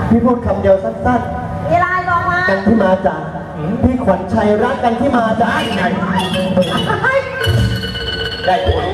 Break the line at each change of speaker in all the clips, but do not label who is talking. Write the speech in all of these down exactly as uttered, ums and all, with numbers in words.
พี่พูดคำเดียวสั้นๆอะไรบอกมากันที่มาจากพี่ขวัญชัยรักกันที่มาจากไงได้ผล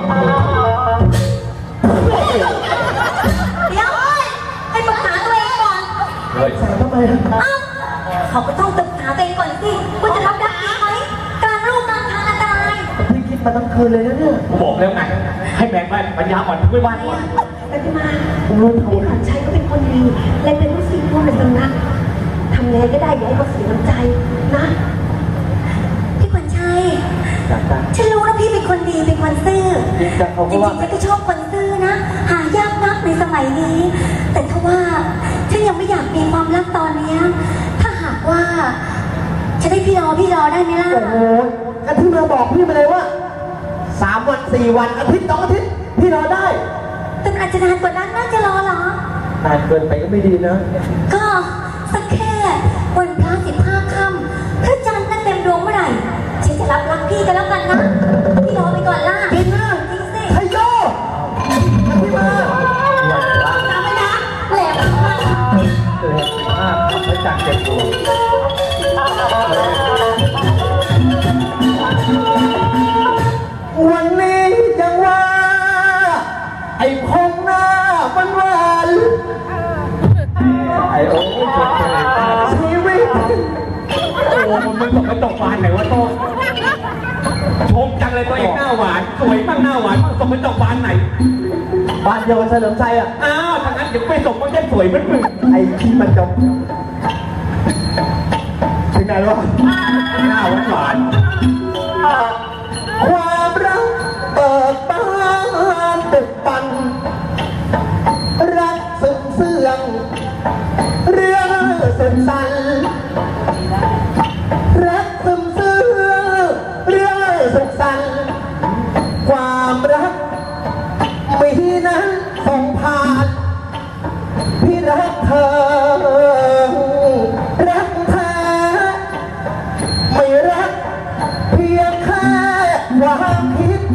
เดี๋ยวให้ปรึกษาตัวเองก่อน
เฮ้ยทำไม
เขาก็ต้องศึกษาตัวเองก่อนสิว่าจะรับได้ไหมกลางลูกกลางทางอันตราย
พี่คิดมาตั้งคืนเลยนะเนี่ย
ผมบอกแล้วไงให้แบ่งไปปัญญาอ่อนไม่ว่าก่อน
แต่ที่มาพี่ขวัญชัยก็เป็นคนดีและเป็นผู้สิ่งผู้เป็นสำนักทำไงก็ได้อย่าให้เขาเสียน้ำใจนะพี่ขวัญชัยฉันรู้นะพี่เป็นคนดีเป็นคนซื่อจริงๆฉันก็ชอบคนซื่อนะหายากนักในสมัยนี้แต่ถ้าว่าฉันยังไม่อยากมีความรักตอนนี้ถ้าหากว่าจะได้พี่รอพี่รอได้ไหมล่ะ
โอ้โหกันที่มาบอกพี่มาเลยว่าสามวันสี่วันอาทิตย์สองอาทิตย์พี่รอได้
แต่อาจจะนานกว่านั้นน่าจะรอเหร
อนานเกินไปก็ไม่ดีนะ
ก็สักแค่วันพระสิบห้าค่ำพระจันทร์นั่งเต็มดวงเมื่อไหร่ฉันจะรับรักพี่กันแล้วกันนะพี่รอไปก่อนล่ะ
จริงนะ
จริงสิ
ไทโยพี่มา
จำไว้นะแหลมมาก
เออสิบห้าพระจันทร์เต็มดวง
วันนี้ยังว่าไอ้พงหน้าวันวัน
ไอ้โอ้
ชีวิต
โอ้มึงตกไปตกบานไหนวะโต้ชมจังเลยตัวเองหน้าหวานสวยบ้างหน้าหวานบ้างตกไปตกบานไหน
บ้านเดียวกับเฉลิมชัยอ่ะ
อ้าวทางนั้นเดี๋ยวไปตกก็จะสวยเหมือนมึง
ไอ้ที่มันจบถึงไหนวะ
หน้าหวานหวาน
ความรักเปิดบานตึกปันรักซึ้งเสื่องเรื่องสุดสันรักซึมซื่อเรื่องสุขสันความรักมีนั้นส่งผ่านพี่รักเธอรักแท้ไม่รักเพียงแค่ความคิด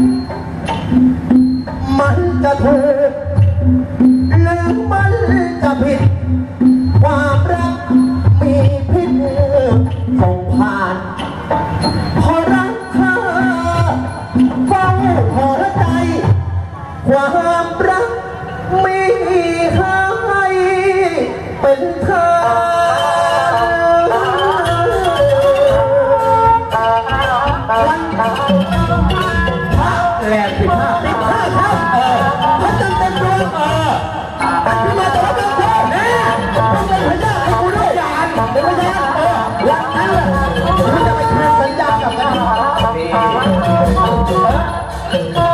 มันจะถูกหรือมันจะผิดความรักมีพิษส่งผ่านพอรักเธอเฝ้าหัวใจความรักมีให้เป็นเธอวันพระ
แหลมสิบห้า
สิบห้าครับเออพระจันทร์เต็มดวงเออตัดขึ้นมาแต่ว่าเป็นเธอเนี่ยต้องเป็นพญาให้กูด้วยยานเป็นพญาเออหลังนั้นแหละคุณจะไปทำสัญญากับกัน